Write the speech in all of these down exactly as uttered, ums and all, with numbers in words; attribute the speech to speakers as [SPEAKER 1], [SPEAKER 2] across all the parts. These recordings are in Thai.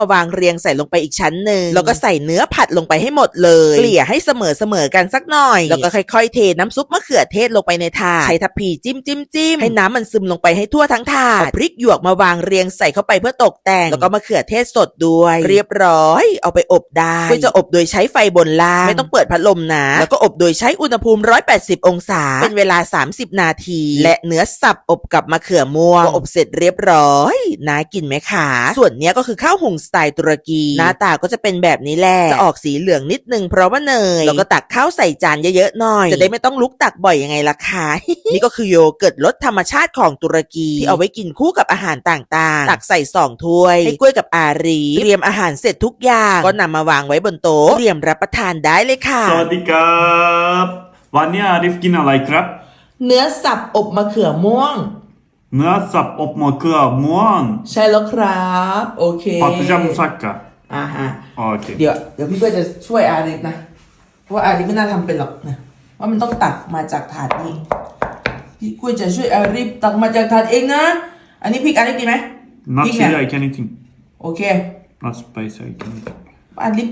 [SPEAKER 1] วางเรียงใส่ลงไปอีกชั้นหนึ่งแล้วก็ใส่เนื้อผัดลงไปให้หมดเลยเกลี่ยให้เสมอเสมอกันสักหน่อยแล้วก็ค่อยๆเทน้ำซุปมะเขือเทศลงไปในถาดใช้ทัพพีจิ้มจิ้มจิ้มให้น้ำมันซึมลงไปให้ทั่วทั้งถาดพริกหยวกมาวางเรียงใส่เข้าไปเพื่อตกแต่งแล้วก็มะเขือเทศสดด้วยเรียบร้อยเอาไปอบได้ก็จะอบโดยใช้ไฟบนล่างไม่ต้องเปิดพัดลมนะแล้วก็อบโดยใช้อุณหภูมิหนึ่งร้อยแปดสิบองศาเป็นเวลาสามสิบนาทีและเนื้อสับอบกับมะเขือม่วงก็อบเสร็จเรียบร้อยน่ากินไหมคะส่วนเนี้ยก็คือข้าวหุงสไตล์ตุรกีหน้าตาก็จะเป็นแบบนี้แหละจะออกสีเหลืองนิดนึงเพราะว่าเนยแล้วก็ตักข้าวใส่จานเยอะๆหน่อยจะได้ไม่ต้องลุกตักบ่อยยังไงล่ะคะ นี่ก็คือโยเกิร์ตรสธรรมชาติของตุรกีที่เอาไว้กินคู่กับอาหารต่างๆตักใส่สองถ้วยให้กล้วยกับอารีเตรียมอาหารเสร็จทุกอย่างก็นำมาวางไว้บนโต๊ะเตรียมรับประทานได้เลยค่ะ
[SPEAKER 2] สวัสดีครับวันนี้อาริฟกินอะไรครับ
[SPEAKER 1] เนื้อสับอบมะเขือม่วง
[SPEAKER 2] เนื้อสับอบมะเขือม่วง
[SPEAKER 1] ใช่แล้วครับโอเค
[SPEAKER 2] ผัดจามุสักกะ
[SPEAKER 1] อ่าฮะ
[SPEAKER 2] โอเค
[SPEAKER 1] เดี๋ยวเดี๋ยวพี่เพื่อจะช่วยอาริฟนะเพราะว่าอาริฟไม่น่าทำเป็นหรอกนะว่ามันต้องตักมาจากถาดนี้พี่กุ้ยจะช่วยอาริฟตักมาจากถาดเองนะอันนี้พริกอาริฟกินไหม
[SPEAKER 2] not chili I can eat
[SPEAKER 1] โอเค
[SPEAKER 2] not spicy I can eat
[SPEAKER 1] อาริฟ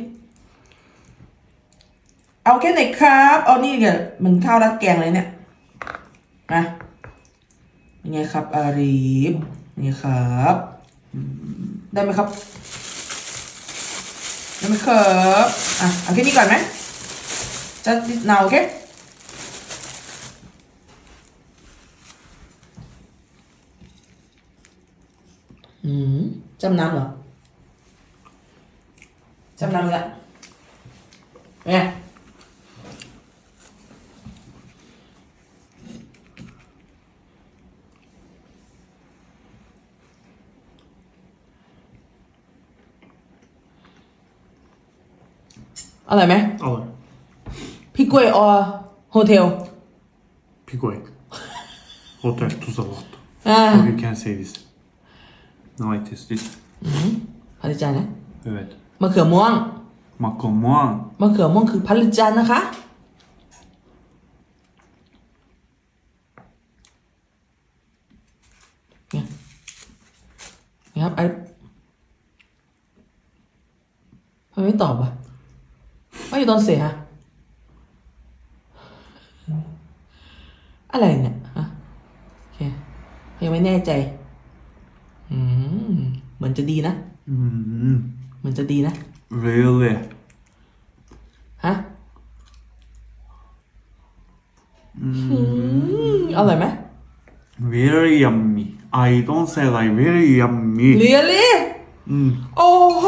[SPEAKER 1] เอาแค่ไหนครับเอานี่เดี๋ยวมันข้าวราดแกงเลยเนี่ยมายังไงครับอาริฟนี่ครับได้ไหมครับได้ไหมครับอ่ะเอาแค่นี้ก่อนไหมจะเนาโอเคอืมจำน้ำเหรอจำน้ำละเนี่ยอร่อยไหม
[SPEAKER 2] อร่อย
[SPEAKER 1] พี่กล้วยออโฮเทล
[SPEAKER 2] พี่กล้วย hotel tuz alot
[SPEAKER 1] อ่า
[SPEAKER 2] so you can say this no I taste this
[SPEAKER 1] พาริจานนะ
[SPEAKER 2] evet
[SPEAKER 1] มะเขือม่วง
[SPEAKER 2] มะเขือม่วง
[SPEAKER 1] มะเขือม่วงคือพาริจานนะคะเนี่ยนี่ครับไอ้ทำไมไม่ตอบอ่ะไม่อยู่ตอนเสียฮะอะไรเนี่ยฮะโอเคยังไม่แน่ใจอืมเหมือนจะดีนะ
[SPEAKER 2] อืม
[SPEAKER 1] เหมือนจะดีนะ
[SPEAKER 2] really
[SPEAKER 1] ฮะอืมอร่อยไหม
[SPEAKER 2] very yummy I don't say like very yummy
[SPEAKER 1] really
[SPEAKER 2] อืม
[SPEAKER 1] โอ้